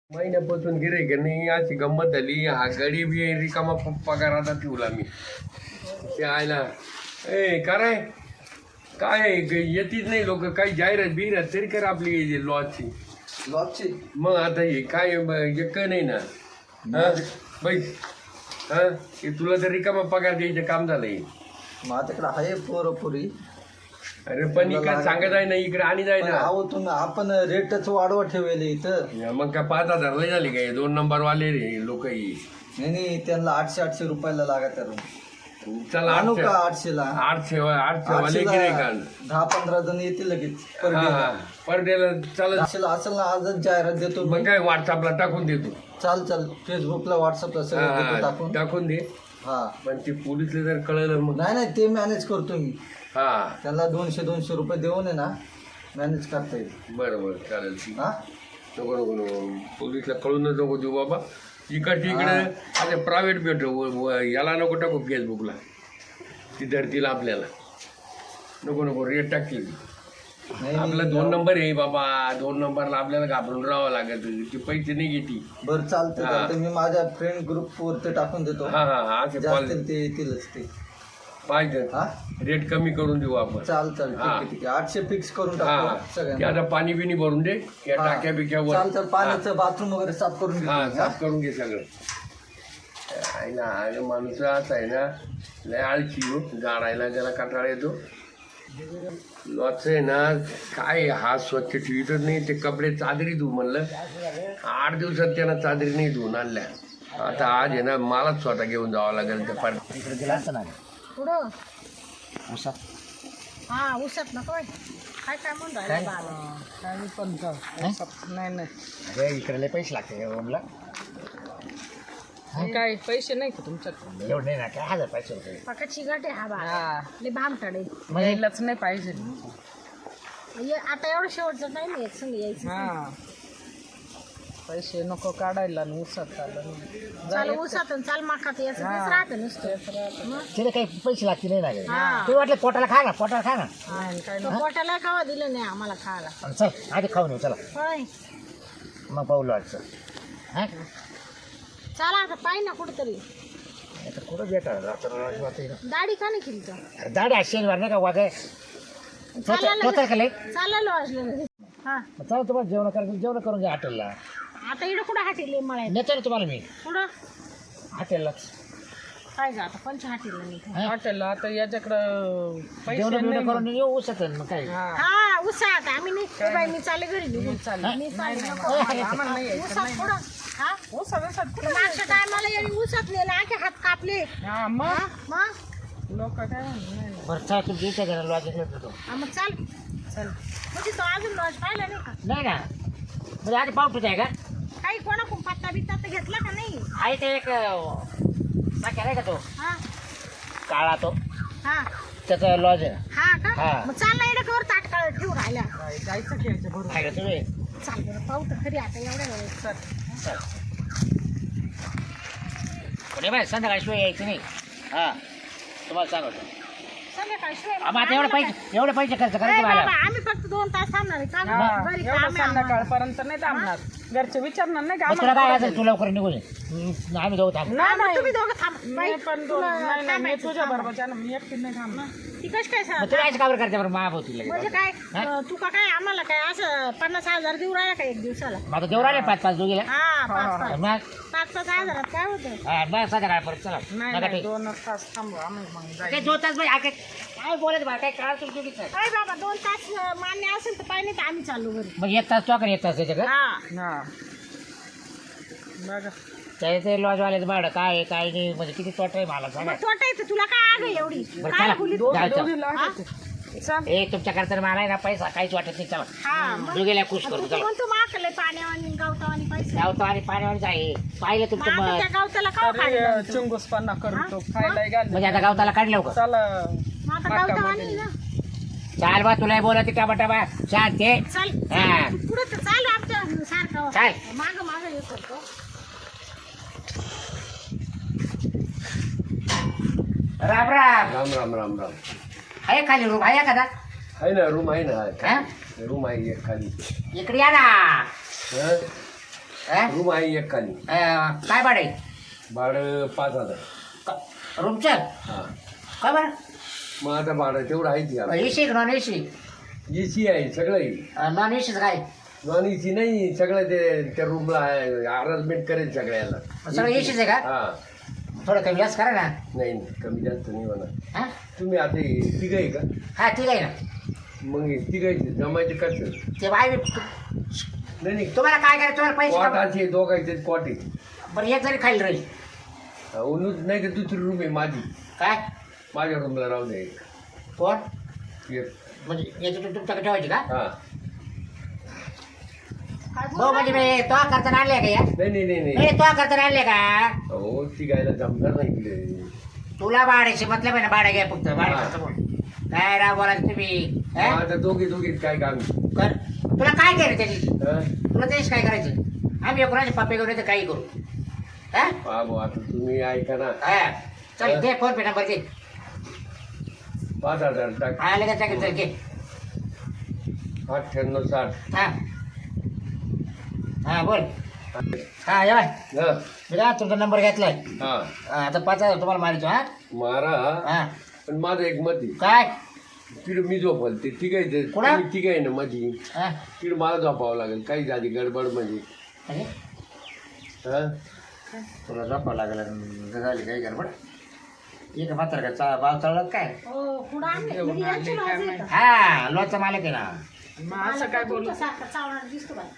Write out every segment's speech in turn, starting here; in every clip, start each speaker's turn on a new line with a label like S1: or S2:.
S1: महिन्यापासून गिऱ्हाईक नाही, अशी गंमत झाली. हा गडी बी रिकामा पगार आता ठेवला मी. ते आयला काय काय येतीच नाही लोक. काही जाहिरात बिहिरात तरी कर आपली लॉजची. मग आता हे काय एक नाही ना. हा बाई, हा तुला तर रिकामा पगार द्यायचं काम झालंय.
S2: माझ्याकडे आहे पोरपुरी.
S1: अरे पण इकडे सांगत आहे ना, इकडे आणि जाय ना.
S2: अहो तुम्ही आपण रेटच वाढवा ठेवले इथं.
S1: मग काय 5,000 लय झाली काय? 2 नंबर वाले रे लोक.
S2: नाही त्यांना 800 रुपयाला लागत आहे.
S1: चला
S2: आणू का 800ला?
S1: 800 वाले गिऱ्हाईक
S2: 10-15 जण येतील लगेच
S1: पर डेला चालत.
S2: 800ला असेल ना, आजच जाहिरात देतो.
S1: मग काय व्हॉट्सअपला टाकून देतो.
S2: चाल फेसबुकला व्हॉट्सअपला सगळं
S1: टाकून दे.
S2: हा
S1: पण ते पोलिसला जर कळलं मग.
S2: नाही ते मॅनेज करतो मी.
S1: हा
S2: त्याला 200 रुपये देऊन आहे ना, मॅनेज करता येईल.
S1: बरं चालेल.
S2: हा
S1: नको पोलिसला कळूनच नको देऊ बाबा. इकडे आता प्रायव्हेट भेटू याला नको टाकू फेसबुकला. ती धरतील आपल्याला. नको रेट टाकतील. आपला 2 नंबर आहे बाबा. 2 नंबरला आपल्याला घाबरून राहावं लागत. ती पैसे नाही घेती.
S2: बरं चालतं. मी माझ्या फ्रेंड ग्रुप वरती टाकून देतो.
S1: हा
S2: ते येतीलच ते.
S1: पाहिजे रेट कमी करून देऊ आपण.
S2: चाल ठीक आहे. 800 फिक्स करून टाकू सगळ्यांना.
S1: आता पाणी बिनी भरून दे या टाक्या बिक्यावर.
S2: चाल पाण्याचं बाथरूम वगैरे साफ करून
S1: साफ करून घे सगळं. आहे ना माणूस असा आहे ना, लय आळशी हो. गाडायला त्याला कंटाळा येतो. लॉच आहे ना, काय हा स्वच्छ ठेवीतच नाही. ते कपडे चादरी धुवू म्हणलं, 8 दिवसात त्यांना चादरी नाही धुवून आणल्या. आता आज आहे ना, मलाच स्वतः घेऊन जावं लागेल. त्या पार
S3: इकडे गेला असतं ना
S4: पुढं.
S3: उसात.
S4: हा उसात नको काय म्हणून राहिलं
S3: नाही अरे इकडे लय पैसे लागते ओमला.
S5: काय पैसे नाही का तुमच्याकडे?
S3: एवढं नाही ना, काय 1000 पैसे रुपये.
S4: पकाची गाठ आहे. हा बा लय भामटाडे.
S5: यायलाच नाही पाहिजे.
S4: आता एवढं शेवटचं टाइम आहे संग यायचं.
S5: हा पैसे नको काढायला. उसात
S4: चाल उसात चाल माखात यायचं राहतं नुसतं.
S3: तिला काही पैसे लागते नाही ना गे. तू वाटलं पोटाला खा ना.
S4: पोटाला खावा दिलं नाही आम्हाला खायला.
S3: चल आधी खाऊन येऊ चला.
S4: होय
S3: मग पाहू लॉजचं. हा
S4: चला आता पाहिजे ना कुठंतरी.
S3: आता कुठं भेटा
S4: दाढी का नाही केली तर?
S3: दाढी शनिवार नाही का वागे
S4: चालायला वाजलं. हा
S3: चला तुम्हाला जेवण करून घ्या हॉटेलला.
S4: आता इकडं कुठं हाटेल मला
S3: नेतो ना तुम्हाला मी
S4: कुठं
S3: हॉटेललाच.
S4: काय गा आता पंच हाटेल नाही.
S5: हॉटेलला आता याच्याकडं पैसे
S3: जेवण करून येऊ उसत मग काय.
S4: हा उसात आम्ही नाही बाई. मी चालले घरी निघून. मी चालले उसात पुढं. हा मागच्या टायमाला यांनी उसात नेला आखे हात कापले.
S5: मग
S4: मग
S5: लोक काय म्हणून.
S3: बरं चला तुमच्या इथे घरा लॉज येतो.
S4: मग चाल म्हणजे तो अजून लॉज पाहिला नाही का?
S3: नाही ना म्हणजे आधी पावटूच आहे का?
S4: काही कोणाकडून पत्ता बित्ता तर घेतला का नाही?
S3: आहे ते एक नाक्या नाही का तो
S4: हा
S3: काळा तो
S4: हा
S3: त्याचा लॉज आहे.
S4: हा का?
S3: हा.
S4: मग चालला इकडे कवर ताटकाळ ठेवून राहिल्या.
S5: जायचं घ्यायचं बरोबर.
S3: आहे का तुम्ही?
S4: चाल बरं पाहू तर खरी आता एवढ्या वेळेस.
S3: चल पुणे बाय संध्याकाळी शिवाय यायचं नाही. हा तुम्हाला सांगतो.
S4: संध्याकाळी शिवाय
S3: आता एवढे पैसे खर्च करायचे मला.
S4: आम्ही फक्त 2 तास थांबणार आहे का? घरी काम
S5: एवढं
S4: आहे आम्हाला.
S5: संध्याकाळपर्यंत नाही थांबणार. घरचे विचारणार नाही का
S3: मग तुला
S5: आम्हाला?
S3: काय असेल तू लवकर निघून ये. आम्ही जाऊ थांब.
S4: हा, मग तुम्ही दोघं थांब. बाई,
S5: मी पण
S4: तुला
S5: नाही, मी
S4: थांबायचं,
S5: तुझ्या
S4: थांब.
S5: बरोबर मी एकटी नाही थांबणार.
S4: ती कशी काय
S3: मग
S4: सांग?
S3: तुला यायचं काबर करते बरं महाभोवती
S4: म्हणजे
S3: लगेच.
S4: काय तू का काय आम्हाला काय असं 50,000 देऊ राहिला का एक दिवसाला?
S3: मग आता देऊ राहिले 5-5 दोघीला.
S4: हा 5-5
S3: मग
S4: 5-5 हजारात काय होतं?
S3: मग संध्याकाळ परत चला.
S5: नाही
S3: नका
S5: नाही
S3: ठीक.
S5: 2 तास थांबू आम्ही मग
S3: काही
S5: जायचं.
S3: 2 तास काय बोलायचं बा काय काळ तुमची चुकीचं आहे.
S4: काय बाबा 2 तास मान्य असेल तर पाहिजे तर आम्ही चाललो घरी.
S3: मग 1 तास तो का 1 तास त्याच्याकडे.
S4: हा
S5: हा बघा
S3: त्याचे लॉजवाल्याचं भाडं काय आहे काय नाही म्हणजे किती तोटा आहे मला सांगा.
S4: मग तोटा येतं तुला काय आग आहे एवढी?
S3: बरं
S4: काय
S3: चला
S4: बोलीत?
S3: जायचं.
S5: दोघी लागायचे. चल
S3: ए तुमच्या करता मला आहे ना पैसा काहीच वाटत नाही. चला
S4: हा मग
S3: दोघीला खुश
S4: तू
S3: करतो.
S4: तर
S3: चला
S4: म्हणतो माकले पाण्यावानी गावतावानी पैसे.
S3: गावतो आणि पाण्यावरच आहे पाहिलं तुमचं
S4: मग आता त्या गावताला का खायला?
S5: चिंगूसपणा करतो खायला घाल.
S3: म्हणजे आता गावताला काढलं का?
S5: चला
S4: मग आता गावतावानी ना.
S3: चाल बा तुला बोलत टमाटा शांत आहे.
S4: चल
S3: हा.
S4: पुढे तर चालू आमच्या सारखं.
S3: चाल.
S4: माग हे करतो.
S3: राम राम.
S1: राम राम राम राम.
S3: आहे खाली रूम आहे का?
S1: आहे ना रूम आहे ना.
S3: हा?
S1: रूम आहे एक खाली.
S3: इकडे या ना.
S1: हं?
S3: हा?
S1: रूम आहे एक खाली.
S3: काय भाडे
S1: भाडं 5,000.
S3: रूमचं
S1: हा.
S3: काय बरं
S1: मग आता भाडं तेवढं आहे ती.
S3: एसी नॉन एसी
S1: एसी आहे सगळं आहे.
S3: नॉन एसीच काय
S1: नॉन एसी नाही सगळं ते त्या रूमला अरेंजमेंट करेल सगळ्याला.
S3: सगळं एसीच आहे का
S1: हा.
S3: थोडं कमी जास्त करा ना.
S1: नाही कमी जास्त नाही होणार.
S3: हा
S1: तुम्ही आता तिघ आहे का?
S3: हा ठीक आहे ना.
S1: मग तिघायचे जमायचे कसं?
S3: ते बाय
S1: नाही
S3: तुम्हाला काय करायचं तुम्हाला पैसे
S1: कॉट
S3: कमा-
S1: असे दोघायचे कॉट आहे.
S3: बरं एक जरी खाली राहील
S1: नाही तर दुसरी रूम आहे माझी.
S3: काय
S1: माझ्या रूमला राहू दे.
S3: कोण
S1: एक.
S3: म्हणजे याच्यातून तुमच्याकडे ठेवायची का
S1: हा.
S4: काय
S3: हो म्हणजे मी तो करताना आणले का या
S1: नाही
S3: नाही तो करताना आणले का
S1: हो तिघायला जमणार नाही इकडे.
S3: तुला भाड्याची मतलब आहे ना भाडं घ्या फक्त भाडं
S1: हा.
S3: खर्च बोल. काय राव बोलायचं तुम्ही
S1: मग
S3: हा?
S1: आता दोघे काय काम?
S3: कर तुला काय केलं त्याची
S1: हा?
S3: तुला तेच काय करायचं आम्ही कोणाचे पप्पे करू तर काही करू हा
S1: बाबू आता तुम्ही ऐका ना.
S3: हा. चल दे फोन पे नंबर दे
S1: 5,000 टाक.
S3: हा लगेच टाकेल चल घे
S1: 98,60.
S3: हा हा बोल हा या
S1: हा.
S3: मी काय तुमचा नंबर घेतलाय
S1: हा.
S3: आता 5,000 तुम्हाला मारायचो हा
S1: मारा.
S3: हा
S1: पण माझं एक मत आहे.
S3: काय
S1: तिकडे मी झोपल ते तिघायचे.
S3: कुणा?
S1: तुम्ही तिघ आहे ना माझी.
S3: हा
S1: तिकडे मला झोपावं लागेल काही झाली गडबड म्हणजे.
S3: म्हणजे
S1: हा.
S3: तुला झोपावं लागलं झाली काही गडबड एक मात्र का भाव चढला काय
S4: हो पुढं आणले म्हणजे यांची लाज आहे का?
S3: हा लॉचा मालक आहे ना
S5: मग असं काय बोलू
S4: तुमच्यासारखा चावणार दिसतो बाई.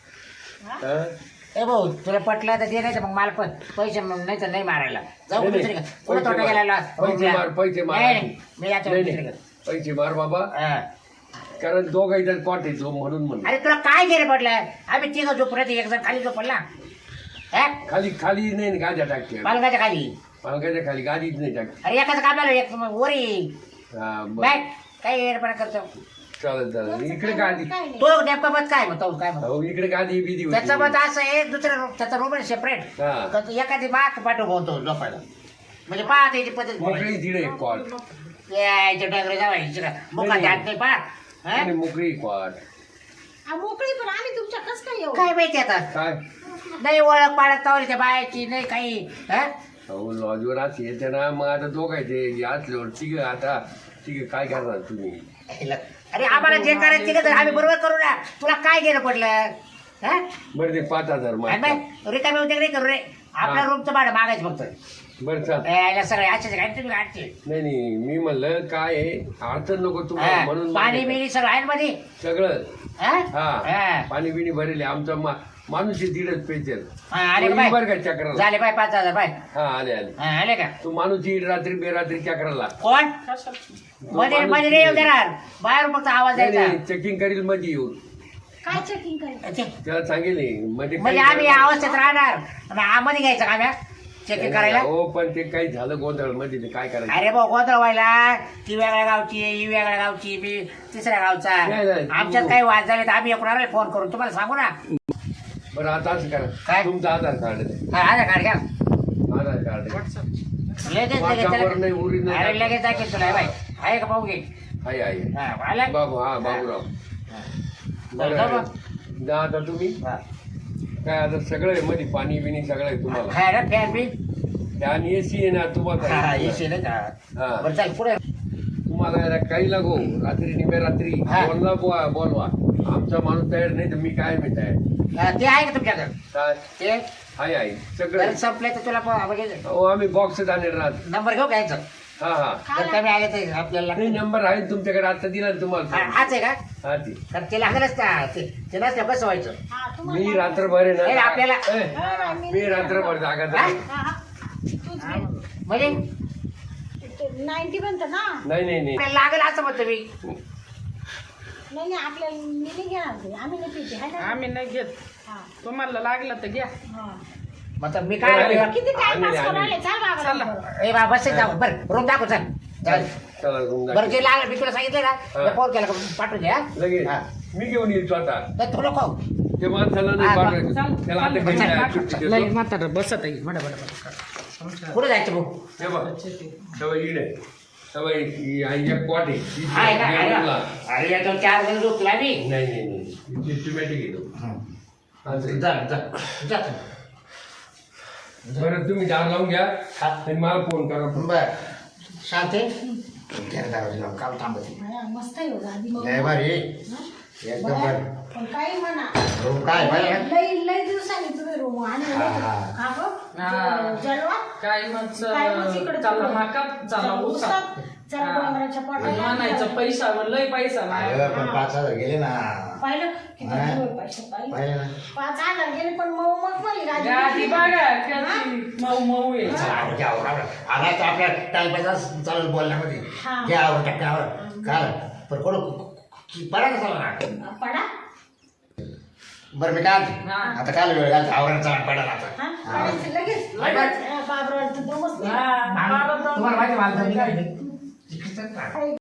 S1: हा?
S3: ए भाऊ तुला पटलं तर दे नाही तर मग मला पण पैसे मग नाही तर नाही मारायला जाऊ
S1: नाही,
S3: दुसरीकडे
S1: नाही.
S3: कुठं
S1: पैसे
S3: तोटा
S1: मार.
S3: गेला
S1: पैसे मार, पैसे मार.
S3: नाही नाही, मी याच्या
S1: नाही,
S3: दुसरीकडे
S1: नाही. पैसे मार बाबा.
S3: हा.
S1: कारण दोघायचा कॉट येतो म्हणून म्हणून.
S3: अरे तुला काय गेले पडलं आम्ही तिघं झोपलं एक जण खाली झोपला हा
S1: खाली खाली नाही ना गाद्या टाकते.
S3: पालकाच्या खाली
S1: पालकाच्या खाली गादीच नाही टाकते.
S3: अरे एकाच कामाला एक वरी
S1: हा बरं.
S3: बॅग काय येडपणा करतो
S1: चालेल इकडे गादी.
S4: काय नाही.
S3: तो नेमका मत काय म्हणतो काय म्हणतो
S1: हो इकडे गादी बिदी होती.
S3: त्याचं मत असं आहे दुसरं room, त्याचा रूम आहे सेपरेट
S1: हा.
S3: एखादी बाक पाठवतो झोपायला म्हणजे पाहत याची पद्धत
S1: मोकळी तिकडे कॉट.
S3: यायच्या डागरे जावायची मुखात
S1: नाही.
S3: हात नाही पाहत
S1: आणि मोकळी कॉट.
S4: आ, मोकळी पण आम्ही तुमच्या कस काय येऊ
S3: काय माहिती आता
S1: काय?
S3: नाही ओळख पाडत तावली त्या बायाची नाही काही हा?
S1: हो लॉजवर असं येते ना मग आता दोघायचे असल्यावर तिघ आता तिघ काय करणार तुम्ही?
S3: अरे आम्हाला जे करायचं ते तर आम्ही बरोबर करू ना तुला काय गेलं पडलं हा?
S1: बरं ते 5,000
S3: आणि
S1: मागतात.
S3: मग रिकामी होते नाही करू रे आपल्या
S1: हा.
S3: रूमचं भाडं मागायचं फक्त
S1: बरं चाल.
S3: यायला सगळे असेच काय तुम्ही काढते
S1: नाही मी म्हणलं काय आहे अडचण नको तुम्हाला म्हणून
S3: पाणी
S1: म्हणलं.
S3: बिणी सगळं आहे ना मध्ये
S1: सगळं.
S3: हा?
S1: हा
S3: हा.
S1: पाणी बिणी भरेले आमचा माणूस दीडच पेचेल.
S3: हा, आले का बाय
S1: बरं का चक्राला?
S3: झाले बाय 5,000 बाय
S1: हा आले
S3: हा, आले का
S1: तो माणूस येईल रात्री बेरात्री चक्राला.
S3: कोण
S1: तो
S3: मध्ये
S1: माणूस
S3: मध्ये नाही येऊ
S1: येईल.
S3: देणार बाहेर फक्त आवाज द्यायचा
S1: चेकिंग करील मध्ये येऊन
S4: काय चेकिंग करायचं
S3: अच्छा.
S1: त्याला सांगेल मध्ये
S3: म्हणजे आम्ही या अवस्थेत राहणार आणि आमध्ये घ्यायचं का आम्ही चेकिंग करायला
S1: हो पण ते काही झालं गोंधळ मध्ये ते काय करायचं?
S3: अरे भाऊ गोंधळ व्हायला ती वेगळ्या गावची ही वेगळ्या गावची मी तिसऱ्या गावचा
S1: नाही, नाही.
S3: आमच्यात काही वाद झाले तर आम्ही एकूण फोन करून तुम्हाला सांगू ना
S1: बरं आता असं
S3: काय?
S1: करा तुमचं आधार कार्ड द्या.
S3: हा आधार कार्ड घ्या
S1: आधार कार्ड द्या.
S3: लगेच
S1: वाटावर नाही,
S3: लगेच
S1: उरीत नाही.
S3: अरे लगेच दाखवेल तुला बाय आहे का पाहू घे
S1: आहे
S3: हा आला?
S1: बाबू हा बाबूराव.
S3: बरं,
S1: बरं
S3: जाऊ
S1: जा आता तुम्ही
S3: हा.
S1: काय आता सगळं आहे मध्ये पाणी बिणी सगळं आहे तुम्हाला.
S3: काय रे फॅन बी
S1: आणि एसी आहे ना
S3: हा
S1: तुम्हाला.
S3: येशी नाही का
S1: हा.
S3: बरं चाल पुढे
S1: तुम्हाला याला काही लागो रात्री निम्या रात्री
S3: हा.
S1: बोलवा आमचा माणूस तयार नाही तर मी काय मी तयार.
S3: हा, ते आहे का तुमच्याकडे
S1: काय
S3: ते
S1: आहे
S3: जर
S1: सगळं.
S3: संपले तर तुला म्हणजे
S1: हो आम्ही बॉक्स आणणार राहत.
S3: नंबर घेऊ घ्यायचा
S1: हा हा
S3: जर कमी आले तर आपल्याला
S1: नाही नंबर आहे तुमच्याकडे आता दिला ना तुम्हाला.
S3: हाच आहे का
S1: हा ती
S3: तर ते लागलच का ते नसलं कसं व्हायचं
S4: हा
S1: मी
S4: तुम्हाला
S1: रात्रभर आहे
S3: नाही,
S1: ना
S3: आपल्याला-
S1: ए, मी रात्रभर जागा
S3: हा?
S4: हा, हा. तूच घे.
S3: म्हणजे
S4: 90 बनतं ना
S1: नाही नाही नाही
S3: आपल्याला लागेल असं म्हणतो मी
S4: नाही नाही, आपल्याला मी नाही घेणार ते आम्ही नाही पिते हाय ना
S5: आम्ही नाही घेत
S4: हा,
S5: तुम्हाला लागलं तर घ्या
S4: हा.
S3: मतलब मी काय
S1: नाही,
S3: म्हणतो?
S4: किती टाइम पास
S1: आम्ही-
S4: करून आले चाल बाबा
S5: चला.
S4: लवकर.
S3: ए बाबा बस जाऊ बरं रूम दाखव चल चल.
S1: चला रूम
S3: बरं
S1: दाखव.
S3: जे लागलं मी तुला सांगितलं ना
S1: हा.
S3: फोन केला का पाठवून द्या
S1: लगेच
S3: हा.
S1: मी घेऊन येईल स्वतः.
S3: तर थोडं खाऊ
S1: ते माणसाला नाही
S3: हा,
S1: पाठवायचं.
S5: चाल.
S1: त्याला आता घरी
S3: चाल.
S1: जायला सुट्टी
S5: लई
S1: देतो.
S5: म्हातारा बसत आहे बडा बडा
S3: कुठे जायचं भाऊ
S1: हे बघ सवय इकडे सवय एक कॉट आहे ती
S3: आहे का? आहे
S1: बेडरूमला.
S3: का? अरे याच्यावर 4 जण झोपला मी
S1: नाही नाही नाही सिस्टमॅटिक येतो. असं.
S3: जा जा जा
S1: बरं तुम्ही दार लावून घ्या
S3: हा.
S1: आणि मला फोन करा.
S3: बर शांती काल थांबते
S4: बाया, मस्त आहे हो दादी मग.
S3: लय भारी एकदम
S4: बाया,
S3: भारी
S4: पण काही म्हणा
S3: रूम काय भारी आहे?
S4: लई लई दिवसांनी तुम्ही रूम आणले
S3: हा, हा.
S4: का गं?
S5: हा.
S4: जलवा
S5: काय मग
S4: काय मग इकडे
S5: चालला
S4: तिकडे?
S5: माका चालला उसात
S4: चला
S5: हा.
S4: डोंगराच्या पोटाला
S5: म्हणायचं पैसा लय पैसा नाही
S3: अगं, पण 5,000 गेले ना
S4: पाहिलं किती
S3: हा.
S4: दिवस पैसे पाहिलं
S3: पाहिलं ना
S4: 5,000 गेले पण मग मग मला
S5: गादी
S4: गाडी
S5: बघा कशी मऊ मऊ आहे
S3: चला, आवड घ्या, आवड. आला तर आपल्या टाइमपास चालेल बोलण्यामध्ये
S4: हा.
S3: घ्या आवड टाकण्यावर काय पण कोण पडा कसा ना
S4: पडा
S3: बरं मी काय म्हणते?
S5: हा.
S3: आता काल वेळ घालतो आवरण चाल पडायला आता
S4: हा पडायचं लगेच
S3: बाय, बाय.
S4: बाबराव तर दमच नाही.
S5: हा.
S3: तुम्हाला माहिती आहे, मला तर मी काय